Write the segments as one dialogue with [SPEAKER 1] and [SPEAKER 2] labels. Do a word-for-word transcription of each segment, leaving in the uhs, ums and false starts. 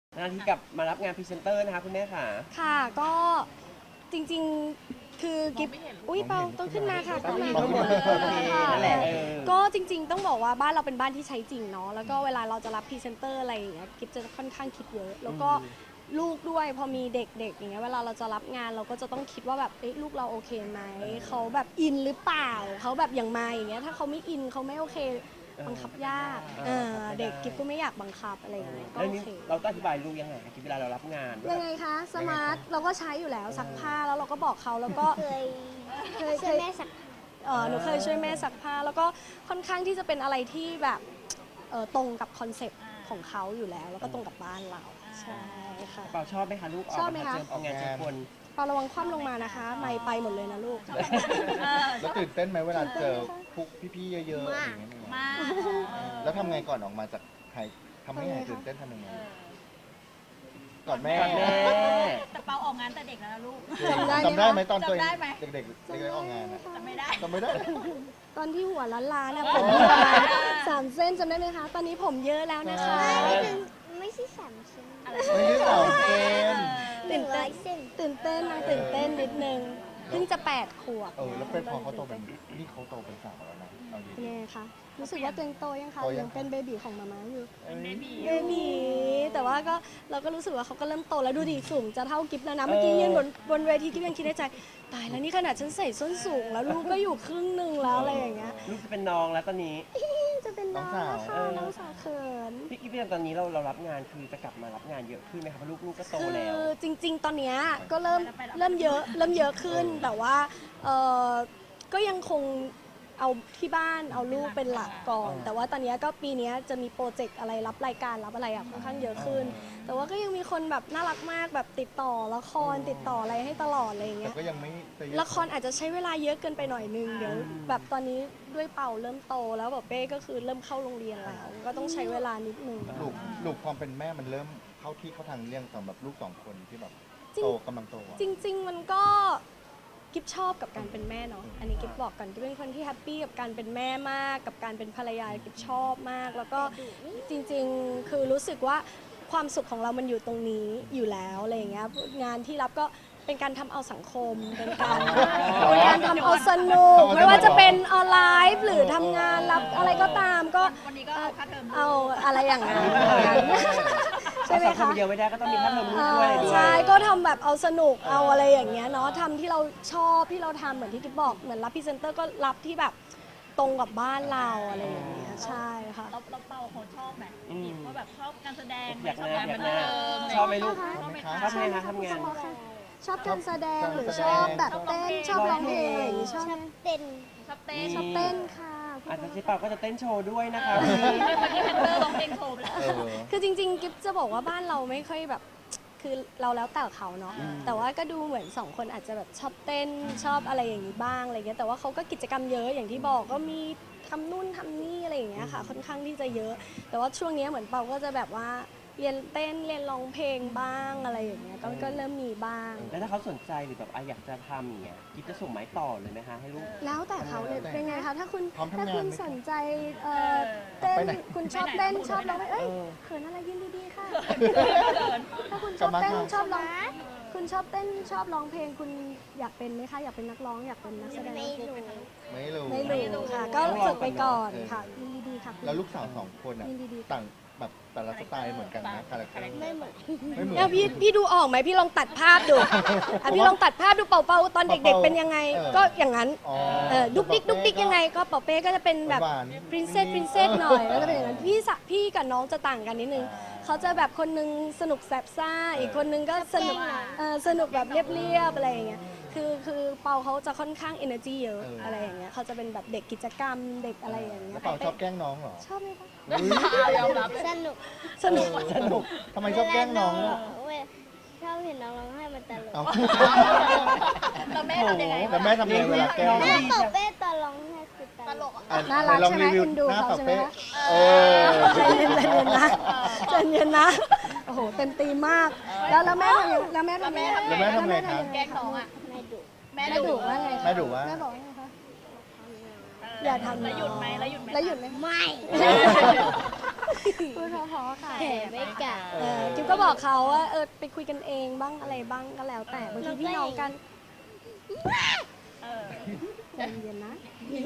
[SPEAKER 1] หน้าที่กลับมารับงานพรีเซนเตอร์นะคะคุณแม่ค่ะ
[SPEAKER 2] ค่ะก็จริงๆคือกิฟอุ้ยเปาต้องขึ้นมาค่ะขึ้นมา
[SPEAKER 1] ต้องขึ้นมาโอเคนั่นแหละเออ
[SPEAKER 2] ก็จริงๆต้องบอกว่าบ้านเราเป็นบ้านที่ใช้จริงเนาะแล้วก็เวลาเราจะรับพรีเซนเตอร์อะไรอย่างเงี้ยกิฟจะค่อนข้างคิดเยอะแล้วก็ลูกด้วยพอมีเด็กๆอย่างเงี้ยเวลาเราจะรับงานเราก็จะต้องคิดว่าแบบเอ๊ะลูกเราโอเคไหมเขาแบบอินหรือเปล่าเขาแบบอย่างมาอย่างเงี้ยถ้าเขาไม่อินเขาไม่โอเคบังคับยากเออเด็กกิฟก็ไม่อยากบังคับอะไรอย่างเงี้ยก็
[SPEAKER 1] แล้ว
[SPEAKER 2] โอ
[SPEAKER 1] นี่
[SPEAKER 2] เค
[SPEAKER 1] เราต้องอธิบายลูกยังไงคะเวลาเรารับงาน
[SPEAKER 2] ยังไงคะสมาร์ทเราก็ใช้อยู่แล้วซักผ้าแล้วเราก็บอกเขาแล้วก็
[SPEAKER 3] เคย
[SPEAKER 2] เคย
[SPEAKER 3] ช่วยแม่สัก
[SPEAKER 2] เออหนูเคยช่วยแม่ซักผ้าแล้วก็ค่อนข้างที่จะเป็นอะไรที่แบบเออตรงกับคอนเซปต์ของเขาอยู่แล้ว แล้วก็ตรงกับบ้านเราใช่ค่ะ
[SPEAKER 1] เปล่าชอบไหมคะลูกออก
[SPEAKER 2] ชอบไหมคะ
[SPEAKER 1] เจอออกงานเจอคน
[SPEAKER 2] เปาระวังคว่ำลงมานะคะไม่ไปหมดเลยนะลูก
[SPEAKER 4] แล้วตื่นเต้นไหมเวลาเจอพวกพี่ๆเยอะๆอะไรอย่างเงี้ย
[SPEAKER 3] มาก
[SPEAKER 4] แล้วทำไงก่อนออกมาจากหายทำให้หายตื่นเต้นทำยังไงก่อนแม่
[SPEAKER 1] ก่อนแม่
[SPEAKER 5] แต่เปาออกงานแต่เด็กแล้วนะลูก
[SPEAKER 2] จำได้ไหมคะ
[SPEAKER 4] จำได้ไหมตอนตัวเอง
[SPEAKER 5] จำได้ไหม
[SPEAKER 4] เด็กๆเด็กๆออกงานอะ
[SPEAKER 5] จำไม่ได้
[SPEAKER 4] จำไม่ได้
[SPEAKER 2] ตอนที่หัวล้านล้านเนี่ยผมประมาณสามเส้นจำได้ไหมคะ ตอนนี้ผมเยอะแล้วนะคะ
[SPEAKER 3] ไม่ถึงไม่ใช่สามชิ้น
[SPEAKER 4] ไม่ได้สาวเกม
[SPEAKER 3] หนึ่งร้อยเส้น
[SPEAKER 2] ตื่นเต้นนะตื่นเต้นนิดนึงเพิ่งจะแปดขวบ
[SPEAKER 4] เออแล้วเป็นพอเขาโตเป็นนี่เขาโตเป็นสาวแล้วนะเอาดี
[SPEAKER 2] เป็นยังไงคะรู้สึกว่าตัวเองโตยังคะ
[SPEAKER 4] โตยัง
[SPEAKER 2] ยังเป็นเบบีของมาม่าอยู่
[SPEAKER 5] เป็นเบบี
[SPEAKER 2] เบบีแต่ว่าก็เราก็รู้สึกว่าเขาก็เริ่มโตแล้วดูดิสูงจะเท่ากิฟแล้วนะเมื่อกี้ยืนบนบนเวทีกิฟยังคิดในใจตายแล้วนี่ขนาดฉันใส่ส้นสูงแล้วลูกก็อยู่ครึ่งหนึ่งแล้วอะไรอย่างเงี้ย
[SPEAKER 1] ลูกจะเป็นน้องแล้วตอนนี้
[SPEAKER 2] จะเป็นน้องแล้วค่ะน้องสาวเขิน
[SPEAKER 1] พี่กิ๊ฟตอนนี้เราเรารับงานคือจะกลับมารับงานเยอะขึ้นไหมคะเพราะลูกลูกก็โต
[SPEAKER 2] คื
[SPEAKER 1] แล้ว
[SPEAKER 2] อจริง ๆ ตอนเนี้ยก็เริ่มเริ่มเยอะเริ่มเยอะขึ้นแต่ว่าเออก็ยังคงเอาที่บ้านเอาลูกเป็นหลักก่อน แต่ว่าตอนเนี้ยก็ปีเนี้ยจะมีโปรเจกต์อะไรรับรายการรับอะไรอะค่อนข้างเยอะขึ้น แต่ว่าก็ยังมีคนแบบน่ารักมากแบบติดต่อละครติดต่ออะไรให้ตลอดอะไรอย่าง
[SPEAKER 4] แต่
[SPEAKER 2] เงี้ย
[SPEAKER 4] ก็ยังไม่จะเยอะ
[SPEAKER 2] ละครอาจจะใช้เวลาเยอะเกินไปหน่อยนึงเดี๋ยวแบบตอนนี้ด้วยเป่าเริ่มโตแล้วแบบเป้ก็คือเริ่มเข้าโรงเรียนแล้ว ก็ต้องใช้เวลานิดนึง
[SPEAKER 4] ลูกลูกความเป็นแม่มันเริ่มเข้าที่เข้าทางเรื่องสำหรับลูกสองคนที่แบบ
[SPEAKER 2] จริง
[SPEAKER 4] โตกำลังโตอะ
[SPEAKER 2] จริง ๆ มันก็กิฟชอบกับการเป็นแม่เนาะอันนี้กิฟบอกก่อนกิฟเป็นคนที่แฮปปี้กับการเป็นแม่มาก กับการเป็นภรรยากิฟชอบมาก แล้วก็จริง ๆ คือรู้สึกว่าความสุขของเรามันอยู่ตรงนี้อยู่แล้วอะไรอย่างเงี้ยงานที่รับก็เป็นการทำเอาสังคม เป็นการเป็นการทำเอาสนุกไม่ว่าจะเป็นออนไลน์หรือทำงานรับอะไรก็ตามก็
[SPEAKER 5] วันนี้ก็เอาค่าเทอม
[SPEAKER 2] เอาอะไรอย่างนั้นใช่ไหม
[SPEAKER 1] สังค
[SPEAKER 2] คะ
[SPEAKER 1] มเดียวไม่ได้ก็ต้องมีค่าเทอมลูก
[SPEAKER 2] อ่า
[SPEAKER 1] ด้วยอะไรด้วย
[SPEAKER 2] ใช่ก็ทำแบบเอาสนุกเอาอะไรอย่างเงี้ยเนาะทำที่เราชอบที่เราทำเหมือนที่กิ๊บบอกเหมือนรับพรีเซนเตอร์ก็รับที่แบบตรงกับบ้านเราอะไรอย่างเงี้ยใช่ค่ะ
[SPEAKER 5] เราเราเปาเขาชอบไหม
[SPEAKER 1] อืม
[SPEAKER 5] ว่าแบบชอบการแสดง
[SPEAKER 1] อยาก
[SPEAKER 5] ชอบ
[SPEAKER 1] นะ
[SPEAKER 5] การ
[SPEAKER 1] อยา
[SPEAKER 5] บั
[SPEAKER 1] ก
[SPEAKER 5] น
[SPEAKER 1] นะ
[SPEAKER 5] เทิง
[SPEAKER 1] ชอบไหมลูก
[SPEAKER 5] ชอบไหมคะ
[SPEAKER 1] ชอบไหมคะทำงาน
[SPEAKER 2] ชอบการแสดงหรือชอบแบบเต้นชอบร้องเพลงอะไรอย่างงี้ชอบ
[SPEAKER 3] ช
[SPEAKER 2] ไหม
[SPEAKER 3] อบเต้น
[SPEAKER 5] ชอบเต้น
[SPEAKER 2] ชอบเต้นค่ะ
[SPEAKER 1] อาจจะเจ๊เปาก็จะเต้นโชว์ด้วยนะคะ
[SPEAKER 5] เมื่อกี้แพนเตอร์ร้องเพลงโชว์ไปแล้ว
[SPEAKER 4] เออ
[SPEAKER 2] คือจริงๆ กิ๊บจะบอกว่าบ้านเราไม่ค่อยแบบคือเราแล้วแต่เขาเนาะแต่ว่าก็ดูเหมือนสองคนอาจจะแบบชอบเต้นชอบอะไรอย่างนี้บ้างอะไรเงี้ยแต่ว่าเขาก็กิจกรรมเยอะอย่างที่บอกก็มีทำนู่นทำนี่อะไรอย่างเงี้ยค่ะค่อนข้างที่จะเยอะ แต่ว่าช่วงนี้เหมือนเปาก็จะแบบว่าเรียนเต้นเรียนร้องเพลงบ้างอะไรอย่างเงี้ยก็ก็เริ่มมีบ้าง
[SPEAKER 1] แล้วถ้าเขาสนใจหรือแบบอ่ะอยากจะทำอย่างเงี้ยกิ๊ฟจะส่งไม้ต่อเลยไหมคะให้ลูก
[SPEAKER 2] แล้วแต่เขาเลยเป็นไงคะถ้าคุณ
[SPEAKER 4] พร้อมทำงาน
[SPEAKER 2] ถ้าคุณ
[SPEAKER 4] ไหม
[SPEAKER 2] สนใจเอ่อเต้น
[SPEAKER 4] ไปไหน
[SPEAKER 2] คุณชอบเต้นชอบร้องเพลงเอ้ย
[SPEAKER 1] เออ
[SPEAKER 2] เขินอะไรยืนดีๆค่ะ ถ้าคุณชอบเต้นชอบร้องคุณชอบเต้นชอบร้องเพลงคุณอยากเป็นไหมคะอยากเป็นนักร้องอยากเป็นนักแสดง
[SPEAKER 3] ไม่รู้
[SPEAKER 4] ไม่รู้
[SPEAKER 2] ไม่รู้ค่ะ ก็ฝึกไปก่อนค่ะยินดีๆค่ะ
[SPEAKER 4] แล้วลูกสาวสองคนอ่ะ
[SPEAKER 2] ยินดีๆ
[SPEAKER 4] ต่างแบบแต่ละสไตล์เหมือนกันนะคาแรคเตอร์
[SPEAKER 3] ไม่เหมือน
[SPEAKER 4] ไม่เหมือน
[SPEAKER 2] เนี่ยพี่พี่ดูออกไหมพี่ลองตัดภาพดูอ่ะพี่ลองตัดภาพดูเป่าเป่าตอนเด็ก ๆ เป็นยังไง
[SPEAKER 4] เออ
[SPEAKER 2] ก็อย่างนั้น
[SPEAKER 4] อ๋อ
[SPEAKER 2] เออดุกดิกดุกดิกยังไงก็เป่าเป้ก็จะเป็นแบบ
[SPEAKER 4] หวานๆ
[SPEAKER 2] ปรินเซสปรินเซสหน่อยแล้วก็เป็นอย่างนั้นพี่สะพี่กับน้องจะต่างกันนิดนึงเขาจะแบบคนนึงสนุกแสบซ่าอีกคนนึงก็สนุกเออสนุกแบบเรียบๆอะไรอย่างเงี้ยคือคือเปาเขาจะค่อนข้าง energy เยอะอะไรอย่างเงี้ยเขาจะเป็นแบบเด็กกิจกรรมเด็กอะไรอย่างเงี้
[SPEAKER 4] แล้
[SPEAKER 2] ยว
[SPEAKER 4] เปล่าชอบแกล้งน้องเหรอ
[SPEAKER 2] ชอบไหมคะ
[SPEAKER 5] ยอมรับ
[SPEAKER 3] สนุก
[SPEAKER 2] สนุก
[SPEAKER 4] สนุกทำไมชอบแกล้งน้องอะ
[SPEAKER 3] เวลาชอบเห็นน้องร้องไห้มันตลก
[SPEAKER 4] เอา
[SPEAKER 5] แล้วแม่ทำยังไง
[SPEAKER 4] แล้วแม่ทำยังไงเวลาแกล้ง
[SPEAKER 3] แม่เปิดเป้ตอนร้องไห้คือต
[SPEAKER 5] ต
[SPEAKER 3] ล
[SPEAKER 5] ล
[SPEAKER 3] ก
[SPEAKER 5] กอ่ะ
[SPEAKER 4] อ่ะ
[SPEAKER 2] น่ารัก
[SPEAKER 4] ลอง
[SPEAKER 2] ใช่ไหม
[SPEAKER 4] รีวิว
[SPEAKER 2] เอ็นดู
[SPEAKER 4] หน้า
[SPEAKER 2] เขา
[SPEAKER 4] ปะ
[SPEAKER 2] ใช่ไหม
[SPEAKER 4] เป้
[SPEAKER 2] คะ
[SPEAKER 4] เออ
[SPEAKER 2] ใจเย็นใจเย็นนะใจเย็นนะโอ้โหเต็มตีมมาก แล้วแล้วแม่ทำยังแล้วแม่ทำยังไง
[SPEAKER 4] แล้วแม่ทำไงคะ
[SPEAKER 5] แกล้งน้องอ่ะ
[SPEAKER 3] ไม่ดุ
[SPEAKER 5] แม่
[SPEAKER 2] แม่ดุว่าไง
[SPEAKER 4] แม่ดุว่า
[SPEAKER 2] แม่บอกว่าไงคะ อย่าทำ
[SPEAKER 5] แล้วหยุดไหมแล้วหยุดไหม
[SPEAKER 2] แล้วหยุดไหม
[SPEAKER 3] ไม่
[SPEAKER 2] พูดเพราะๆค่ะ
[SPEAKER 3] แผ่ไม่กะ
[SPEAKER 2] เออกิ๊บก็บอกเขาว่าเออไปคุยกันเองบ้างอะไรบ้างก็แล้วแต่บางทีพี่น้องกัน
[SPEAKER 5] เออ
[SPEAKER 2] ใจเย็นนะ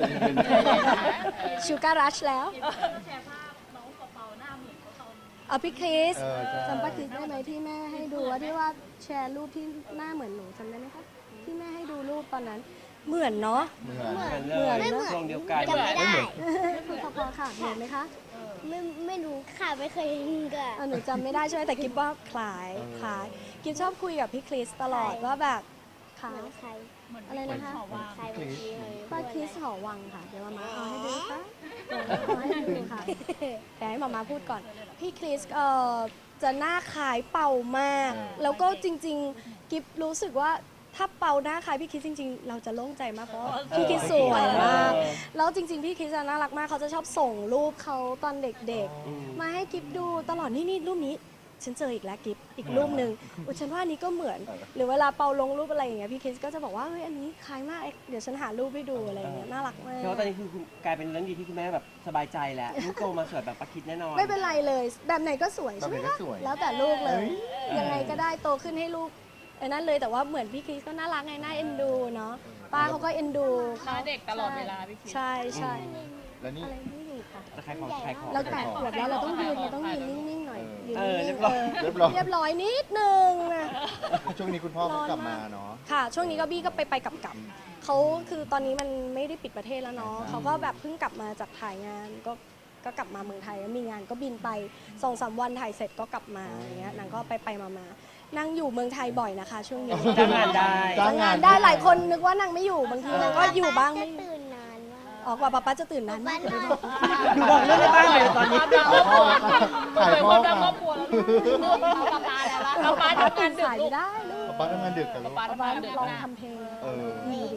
[SPEAKER 2] ชูการรัชแล้ว
[SPEAKER 5] แชร์ภาพน้องเปาๆหน้าเหมือนเขาตอน
[SPEAKER 2] เอาพี่คริส
[SPEAKER 4] เออใช่
[SPEAKER 2] จำป้าคริสได้ไหมที่แม่ให้ดูว่าที่ว่าแชร์รูปที่หน้าเหมือนหนูจำได้ไหมคะที่แม่ให้ดูรูปตอนนั้น เหมือนเนาะ
[SPEAKER 4] เหมือน
[SPEAKER 1] เหมือนเล
[SPEAKER 2] เหมือน
[SPEAKER 1] ย
[SPEAKER 2] นะ
[SPEAKER 1] ช่วงเดียวกัน
[SPEAKER 3] จำไม่ได้
[SPEAKER 2] พูดพอๆค่ะเหมือนไหมคะ
[SPEAKER 3] ไม่ไม่รู้ค่ะไม่เคยเห็นกะ
[SPEAKER 2] เออหนูจำไม่ได้ใช่ไหมแต่กิ๊บว่าคล้ายคล้ายกิ๊บชอบคุยกับพี่คริสตลอดว่าแบบค่ะ
[SPEAKER 3] เหมือนใคร
[SPEAKER 5] เหมือน
[SPEAKER 2] อะไรนะคะ
[SPEAKER 5] หอวาง
[SPEAKER 3] ใครเมื่อกี้เลย
[SPEAKER 2] ป้าคริสหอวังค่ะเดี๋ยวมามาเอาให้ดูค่ะเอาให้ดูค่ะแต่ให้มามาพูดก่อน พี่คริสเอ่อจะหน้าคล้ายเป่ามาก แล้วก็จริงๆ กิฟรู้สึกว่าถ้าเป่าหน้าคล้ายพี่คริสจริงๆ เราจะโล่งใจมากเพราะว่าพี่คริสสวยมาก แล้วจริงๆ พี่คริสอะน่ารักมากเขาจะชอบส่งรูปเขาตอนเด็ก
[SPEAKER 1] อืม
[SPEAKER 2] ๆ มาให้กิฟดูตลอดนี่นี่รูปนี้ ฉันเจออีกแล้วกิฟอีกรูปหนึ่งอุยฉันว่าอันนี้ก็เหมือน หรือเวลาเปาลงรูปอะไรอย่างเงี้ยพี่คริสก็จะบอกว่าเฮ้ยอันนี้คล้ายมากเดี๋ยวฉันหารูปให้ดูอะไรอย่างเงี้ยน่ารักมาก
[SPEAKER 1] เพราะว่าตอนนี้คือคุณกลายเป็นเรื่องดีที่คุณแม่แบบสบายใจแล้วลูกโตมาสวยแบบประคิดแน่นอน
[SPEAKER 2] ไม่เป็นไรเลย แบบไหนก็สวย
[SPEAKER 4] แบบ
[SPEAKER 2] ใช่ไห
[SPEAKER 4] ไห
[SPEAKER 2] ม
[SPEAKER 4] นก็
[SPEAKER 2] คะ
[SPEAKER 4] สวย
[SPEAKER 2] แล้วแต่ลูกเลย
[SPEAKER 4] เฮ้ย
[SPEAKER 2] ยังไงก็ได้โตขึ้นให้ลูกไอ้นั่นเลยแต่ว่าเหมือนพี่คริสก็น่ารักไงน่าเอ็นดูเนาะป้าเขาก็เอ็นดู
[SPEAKER 5] หน้าเด็กตลอดเวลาพี่คิด
[SPEAKER 2] ใช่ใช่
[SPEAKER 4] แล้วนี่
[SPEAKER 2] อะไรไม่อยู่ค่ะ
[SPEAKER 1] จะขายของขายของ
[SPEAKER 2] เราแปดขวบแล้วเราต้องยืนเราต้องยืนนิ่งๆหน่อยยืน
[SPEAKER 1] เออ
[SPEAKER 2] นิ่ง
[SPEAKER 1] เรียบร้อย
[SPEAKER 2] ๆเออ
[SPEAKER 4] เรียบร้อย
[SPEAKER 2] เรียบร้อยนิดนึงนะ
[SPEAKER 4] ช่วงนี้คุณพ่อเขากลับมาเนาะ
[SPEAKER 2] ค่ะ ช่วงนี้ก็บี้ก็ไปไปกลับกลับเขาคือตอนนี้มันไม่ได้ปิดประเทศแล้วเนาะเขาก็แบบเพิ่งกลับมาจากถ่ายงานก็ก็กลับมาเมืองไทยแล้วมีงานก็บินไปสองสามวันถ่ายเสร็จก็กลับมาอย่างเงี้ยนางก็ไปไปมามานั่งอยู่เมืองไทยบ่อยนะคะ ช่วงนี้
[SPEAKER 1] จ้างงานได้
[SPEAKER 4] จ้า
[SPEAKER 2] ทำงานได้หลายคนนึกว่านางไม่อยู่บางทีนางก็อยู่บ้าง
[SPEAKER 3] จะ
[SPEAKER 2] ไม่อยู่
[SPEAKER 3] ตื่นนานมาก
[SPEAKER 2] ออกว่าป๊าป๊าจะตื่นนานมาก
[SPEAKER 3] บ้าน
[SPEAKER 2] เล
[SPEAKER 3] น
[SPEAKER 2] ย
[SPEAKER 3] อก
[SPEAKER 1] ดูบอกเรื่องในบ้านเลยตอนนี้
[SPEAKER 5] ความรักครอบครัว
[SPEAKER 4] ถ่าย
[SPEAKER 5] เป็น
[SPEAKER 4] พ่
[SPEAKER 5] ค
[SPEAKER 4] อ
[SPEAKER 5] วามรักคร
[SPEAKER 4] ค่ะ
[SPEAKER 5] อบครัวแล้วลูกเอาปลาปลาแล้วละเอาปลา
[SPEAKER 2] ป๊า
[SPEAKER 5] ทำงา
[SPEAKER 2] ตื่
[SPEAKER 5] น
[SPEAKER 2] น
[SPEAKER 5] ดึก
[SPEAKER 2] สาย
[SPEAKER 5] ลู
[SPEAKER 2] ไม่
[SPEAKER 5] ก
[SPEAKER 2] ได้ลูก
[SPEAKER 4] ป๊าทำงานดึกกับลูก
[SPEAKER 5] ปลา
[SPEAKER 2] ป๊า
[SPEAKER 5] ทำ
[SPEAKER 2] ป๊าง
[SPEAKER 5] านดึก
[SPEAKER 2] ลอง
[SPEAKER 5] นะ
[SPEAKER 2] ทำเพลง
[SPEAKER 4] เออ
[SPEAKER 2] ดีดี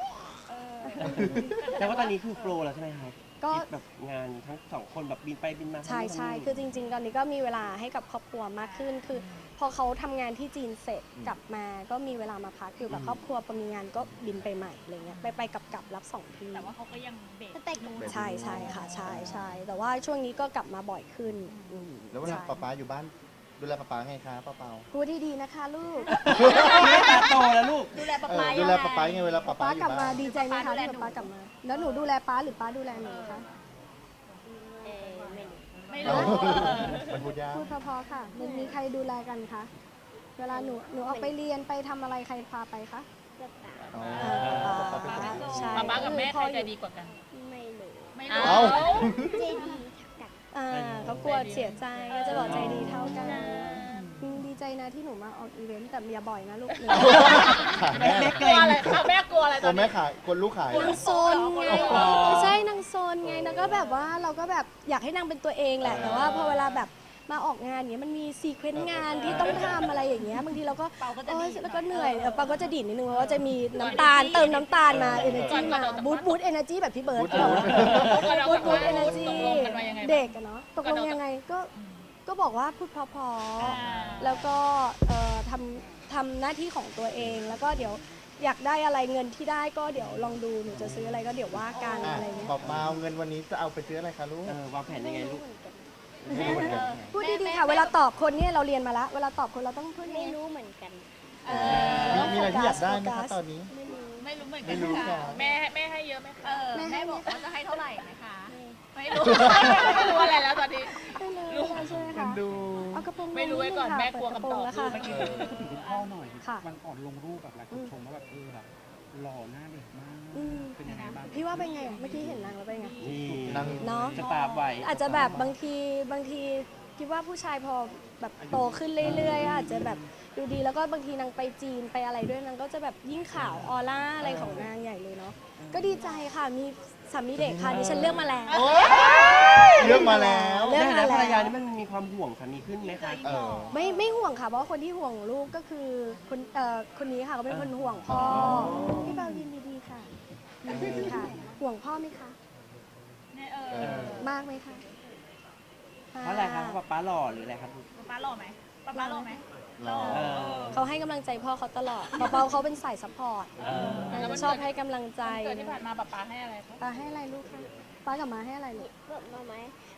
[SPEAKER 1] แต่ว่าตอนนี้คือโปรแล้วใช่ไหมครับ
[SPEAKER 2] ก็
[SPEAKER 1] คิดแบบงานทั้งสองคนแบบบินไปบินมา
[SPEAKER 2] ใช่ใช่คือจริง ๆ ตอนนี้ก็มีเวลาให้กับครอบครัวมากขึ้น คือ พอเขาทำงานที่จีนเสร็จกลับมา ก็มีเวลามาพักอยู่กับครอบครัวพอมีงานก็บินไปใหม่อะไรเงี้ย ไปไปกลับกลับรับสองที
[SPEAKER 5] แต่ว่าเขาก็ยังเบรก
[SPEAKER 3] สเต็กหมู
[SPEAKER 2] ใช่ใช่ค่ะ ใช่ใช่แต่ว่าช่วงนี้ก็กลับมาบ่อยขึ้นอืม
[SPEAKER 4] แล้วเวลา
[SPEAKER 2] ใช่
[SPEAKER 4] ป๊าป๊าอยู่บ้านดูแลป๊าป๊าไงคะป้าเปา
[SPEAKER 2] พูดที่ดีนะคะลูก
[SPEAKER 1] ไม่ตาโตแล้วลูก
[SPEAKER 5] ดูแลปลา
[SPEAKER 4] เอ
[SPEAKER 5] ปลา
[SPEAKER 4] อดูแลป๊าป๊าไงเวลาป๊าป๊า
[SPEAKER 2] ป้า
[SPEAKER 4] อก
[SPEAKER 2] ลั
[SPEAKER 4] ยู่
[SPEAKER 2] บมา
[SPEAKER 4] บ้าน
[SPEAKER 2] ดีใจไหมคะที่ป๊ากลับมา แล้วหนูดูแลป้าหรือป้าดูแลหนูคะ
[SPEAKER 3] เออไม่รู้
[SPEAKER 5] ไม่
[SPEAKER 4] เอ
[SPEAKER 5] รู้
[SPEAKER 4] อมันพูดยาก
[SPEAKER 2] พูดเพอๆค่ะมันมีใครดูแลกันคะ เวลาหนูหนูออกไปเรียนไปทำอะไรใครพาไปคะ
[SPEAKER 3] กระเป๋า
[SPEAKER 4] อ๋อ
[SPEAKER 2] เออ
[SPEAKER 4] ป๊าป๊าเป็นคน
[SPEAKER 2] ใช่
[SPEAKER 5] ปลาปลากับแม่ใครใจดีกว่ากัน
[SPEAKER 3] ไม่รู้
[SPEAKER 5] ไม่รู้
[SPEAKER 4] เอ้า
[SPEAKER 3] เจดีกัน
[SPEAKER 2] อ่าเขากลัวเสียใจก็จะบอกใจดีเท่ากันอืมดีใจนะที่หนูมาออกอีเวนต์แต่อย่าบ่อยนะลูกหนู
[SPEAKER 4] ขาย
[SPEAKER 1] แม่
[SPEAKER 4] แม่
[SPEAKER 1] แม่
[SPEAKER 5] กลัวอะไรเอาแม่กลัวอะไรต
[SPEAKER 4] ตั
[SPEAKER 5] อ
[SPEAKER 4] วน แม่
[SPEAKER 5] นี้
[SPEAKER 4] ขายคนลูกขาย
[SPEAKER 2] นางโซนไง
[SPEAKER 1] อ๋อ
[SPEAKER 2] ไม่ใช่นางโซนไงแล้วก็แบบว่าเราก็แบบอยากให้นางเป็นตัวเองแหละ แต่ว่าพอเวลาแบบมาออกงานอย่างเงี้ยมันมีซีเควนต์งานที่ต้องทำอะไรอย่างเงี้ยบางทีเราก็
[SPEAKER 5] เปาก็จะ
[SPEAKER 2] โอ๊ย
[SPEAKER 5] ดีด
[SPEAKER 2] แล้วก็เหนื่อยเออปาก็จะดิ่นนิดนึงเพราะว่าจะมีน้ำตาลเติมน้ำตาลมาเอเนจีมาบูทบูทเอเนจีแบบพี่เบิร์ดบอกว่า
[SPEAKER 5] บูท
[SPEAKER 2] บูทเอเนจี
[SPEAKER 5] ตกลงกันมายังไงบ้าง
[SPEAKER 2] เด็กอะเนาะตกลงยังไงก็ก็บอกว่าพูดเพอ
[SPEAKER 5] อ่า
[SPEAKER 2] ๆแล้วก็เอ่อทำทำหน้าที่ของตัวเองแล้วก็เดี๋ยวอยากได้อะไรเงินที่ได้ก็เดี๋ยวลองดูหนูจะซื้ออะไรก็เดี๋ยวว่ากัน
[SPEAKER 4] อ่ะ
[SPEAKER 2] อะไรเงี้ย
[SPEAKER 4] ป๊าป๊าเอาเงินวันนี้จะเอาไปซื้ออะไรคะลูก
[SPEAKER 1] เออวางแผนยังไงลูก
[SPEAKER 4] ไม่รู้เหมือนกัน
[SPEAKER 2] พูดดีๆค่ะ เวลาตอบคนเนี่ยเราเรียนมาละเวลาตอบคนเราต้องพูดยัง
[SPEAKER 3] ไม่
[SPEAKER 2] ไง
[SPEAKER 3] รู้เหมือนกัน
[SPEAKER 5] เอ
[SPEAKER 4] มี
[SPEAKER 5] อ
[SPEAKER 4] มีอะไรที่อยากได้ไหม
[SPEAKER 2] โฟกั
[SPEAKER 4] คะ
[SPEAKER 2] ส
[SPEAKER 4] ตอนนี้
[SPEAKER 3] ไม่รู้
[SPEAKER 5] ไม่รู้เหมือนกั
[SPEAKER 4] ไม่
[SPEAKER 5] น
[SPEAKER 4] รู้
[SPEAKER 5] ค่ะ
[SPEAKER 4] ค่ะ
[SPEAKER 5] แม่แม่ให้เยอะไหมคะเออ
[SPEAKER 2] แม่ให้
[SPEAKER 5] แม่บอก
[SPEAKER 2] ไหม
[SPEAKER 5] ว่าจะให้เท่าไหร่นะคะ ไม่รู้ไม่รู้อะไรแล้วตอนนี้
[SPEAKER 2] ไม่เลยไม่ใช่ไหม
[SPEAKER 4] เอ็
[SPEAKER 2] คะ
[SPEAKER 4] นดู
[SPEAKER 2] เอากระโปรง
[SPEAKER 5] ไม่รู้ไว้ก่อน
[SPEAKER 2] ดง
[SPEAKER 5] แม่
[SPEAKER 2] ค่ะ
[SPEAKER 5] กลัว
[SPEAKER 2] เปิด
[SPEAKER 5] คำตอบ
[SPEAKER 2] กระโปรงแล้วค่ะ
[SPEAKER 5] เมื่อกี้
[SPEAKER 6] พูดถึงคุณพ่อหน่อย
[SPEAKER 2] ค่ะ
[SPEAKER 6] วันก่อนลงรูปแบบหลายคนชมว่าแบบเออแบบหล่อหน้าเด็กมาก
[SPEAKER 2] อืม
[SPEAKER 6] เป็นยังไงบ้าง
[SPEAKER 2] พี่ว่าเป็นไงอะเมื่อกี้เห็นนางแล้วเป็นไง
[SPEAKER 1] นี่
[SPEAKER 4] นั่ง
[SPEAKER 2] เนาะ
[SPEAKER 1] จะตามไว้
[SPEAKER 2] อาจจะแบบบางทีบางทีคิดว่าผู้ชายพอแบบโตขึ้นเรื่อยๆ อาจจะแบบดูดีแล้วก็บางทีนางไปจีนไปอะไรด้วยนางก็จะแบบยิ่งขาวออร่าอะไรของนางใหญ่เลยเนาะก็ดีใจค่ะมีสามีเด็กค่ะดิฉันเลือกมาแล้ว
[SPEAKER 4] โอ๊ยเลือกมาแล้ว
[SPEAKER 2] เลือก
[SPEAKER 1] แม่
[SPEAKER 2] มา
[SPEAKER 1] และภรรยา
[SPEAKER 2] แล้ว
[SPEAKER 1] นี่มันมีความห่วงสามีขึ้นไหมคะ
[SPEAKER 4] เออ
[SPEAKER 2] ไม่ไม่ห่วงค่ะ เพราะว่าคนที่ห่วงลูกก็คือคนเอ่อคนนี้ค่ะเขาเป็นคนห่วงพ่อพี่เบลยินดีๆค่ะยินดีค่ะ ห่วงพ่อไหมคะ
[SPEAKER 5] เนี่ยเอ
[SPEAKER 4] เอ
[SPEAKER 5] อ
[SPEAKER 4] อ
[SPEAKER 2] มากไหมคะ
[SPEAKER 1] เพราะอะไรครับเพราะป๊าป๊าหล่อหรืออะไรครับลูก
[SPEAKER 5] ปลาปลาหล่อไหมปลาปลาหล่อไหม
[SPEAKER 4] รอ
[SPEAKER 1] เออ
[SPEAKER 2] เขาให้กำลังใจพ่อเขาตลอดเปาๆเขาเป็นสายซัพพอร์ต
[SPEAKER 1] เออ
[SPEAKER 2] ชอบให้กำลังใจ
[SPEAKER 5] เกิดที่ผ่านมาปลาปลาให้อะไรคะ
[SPEAKER 2] ป้าให้อะไรลูกคะป้ากับมาให้อะไรลูก
[SPEAKER 3] แบบมาไหม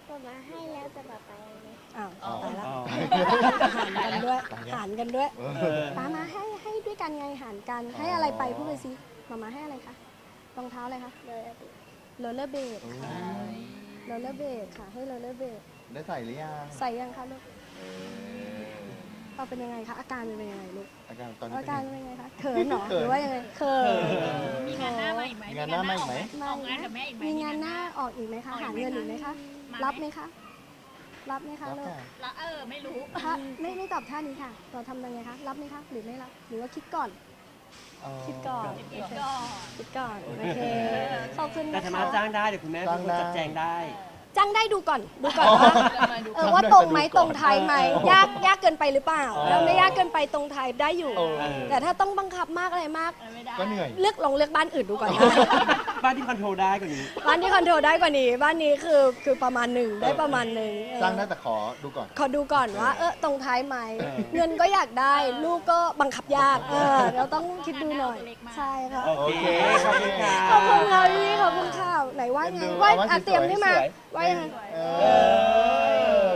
[SPEAKER 3] ป๊ามาให้แล้วแต่ป๊าไปเลย
[SPEAKER 2] อ้าว
[SPEAKER 4] อ๋อ
[SPEAKER 2] ตายละ
[SPEAKER 1] อ๋อ
[SPEAKER 2] หารกันด้วย
[SPEAKER 4] ตายแล้ว
[SPEAKER 2] หารกันด้วย
[SPEAKER 4] เอ
[SPEAKER 1] เอ
[SPEAKER 4] อ
[SPEAKER 1] อ
[SPEAKER 2] ป้ามาให้ให้ด้วยกันไงหารกัน
[SPEAKER 4] อ๋อ
[SPEAKER 2] ให้อะไรไปพูดไปสิมามาให้อะไรคะรองเท้าอะไรคะ
[SPEAKER 3] เลยอะดิ
[SPEAKER 2] โรลเลอร์เบด
[SPEAKER 4] โอ้
[SPEAKER 2] ค่ะโรลเลอร์เบดค่ะ ให้โรลเลอร์เบด
[SPEAKER 4] ได้ใส่หรือยัง
[SPEAKER 2] ใส่ยังคะลูก
[SPEAKER 4] เออ
[SPEAKER 2] เราเป็นยังไงคะอาการเป็นยังไงลูก
[SPEAKER 4] อาการตอนนี้
[SPEAKER 2] อา
[SPEAKER 4] เป็น
[SPEAKER 2] การ
[SPEAKER 4] ยังไง
[SPEAKER 2] เป็นยังไงคะเขินเหรอ
[SPEAKER 4] เขิน
[SPEAKER 2] หรือว่ายังไงเขิน
[SPEAKER 5] มีงานหน้ามาอีกไหม
[SPEAKER 4] มีงานหน้ามาอีกไหม
[SPEAKER 5] ออกงานกับแม่อีกไหม
[SPEAKER 2] มีงานหน้าออกอีกไหมคะ
[SPEAKER 5] ออกอีกไหม
[SPEAKER 2] หาเงินอีกไหมคะ
[SPEAKER 5] มา
[SPEAKER 2] รับไหมคะ รับไหมคะ
[SPEAKER 4] รับ
[SPEAKER 2] ลูก
[SPEAKER 4] ค่ะ
[SPEAKER 5] แล้วเออไม่รู้
[SPEAKER 2] ถ้าไม่ไม่ตอบท่านี้ค่ะ เราทำยังไงคะ รับไหมคะ หรือไม่รับ หรือว่าคิดก่อน คิดก่อน
[SPEAKER 5] คิดก่อน
[SPEAKER 2] คิดก่อน โอเค ขอบคุณ
[SPEAKER 1] แต่
[SPEAKER 2] นะ
[SPEAKER 1] สา
[SPEAKER 2] คะ
[SPEAKER 1] มารถจ้างได้เดี๋ยวคุณแม่เป็นคนจัดแจงได้
[SPEAKER 2] จ้างได้ดูก่อน ดูก่อนว่า เออว่าตรงไหมตรงไทยไหม ยากยากเกินไปหรือเปล่า
[SPEAKER 4] อ๋อ
[SPEAKER 2] แล้วไม่ยากเกินไปตรงไทยได้อยู่
[SPEAKER 4] เออ
[SPEAKER 2] แต่ถ้าต้องบังคับมากอะไรมาก
[SPEAKER 5] เออไม่ได้
[SPEAKER 4] ก็เหนื่อย
[SPEAKER 2] เลือกลองเลือกบ้านอื่นดูก่อนนะ
[SPEAKER 1] บ้านที่คอนโทรลได้กว่านี้
[SPEAKER 2] บ้านที่คอนโทรลได้กว่านี้ บ้านนี้คือคือประมาณหนึ่งได้ประมาณหนึ่งเออ
[SPEAKER 4] จ้างได้แต่ขอดูก่อน
[SPEAKER 2] ขอดูก่อนว่า เออตรงท้ายไหม
[SPEAKER 1] เออ
[SPEAKER 2] เงินก็อยากได้ ลูกก็บังคับยาก เออเราต้องคิดดูหน่อย ใช่ค่ะ
[SPEAKER 1] โอเค ขอบคุณค่ะ
[SPEAKER 2] ขอบคุณค่ะพี่ขอบคุณค่ะไหนว่าไง
[SPEAKER 4] เอ็นดู
[SPEAKER 2] ว่า
[SPEAKER 4] เอาว่า
[SPEAKER 2] อ่ะ
[SPEAKER 4] สวยๆ
[SPEAKER 2] เตรียมขึ้นมา
[SPEAKER 1] สวย
[SPEAKER 2] ว่ายังไง
[SPEAKER 4] เอ
[SPEAKER 1] เอ
[SPEAKER 4] อ
[SPEAKER 1] อ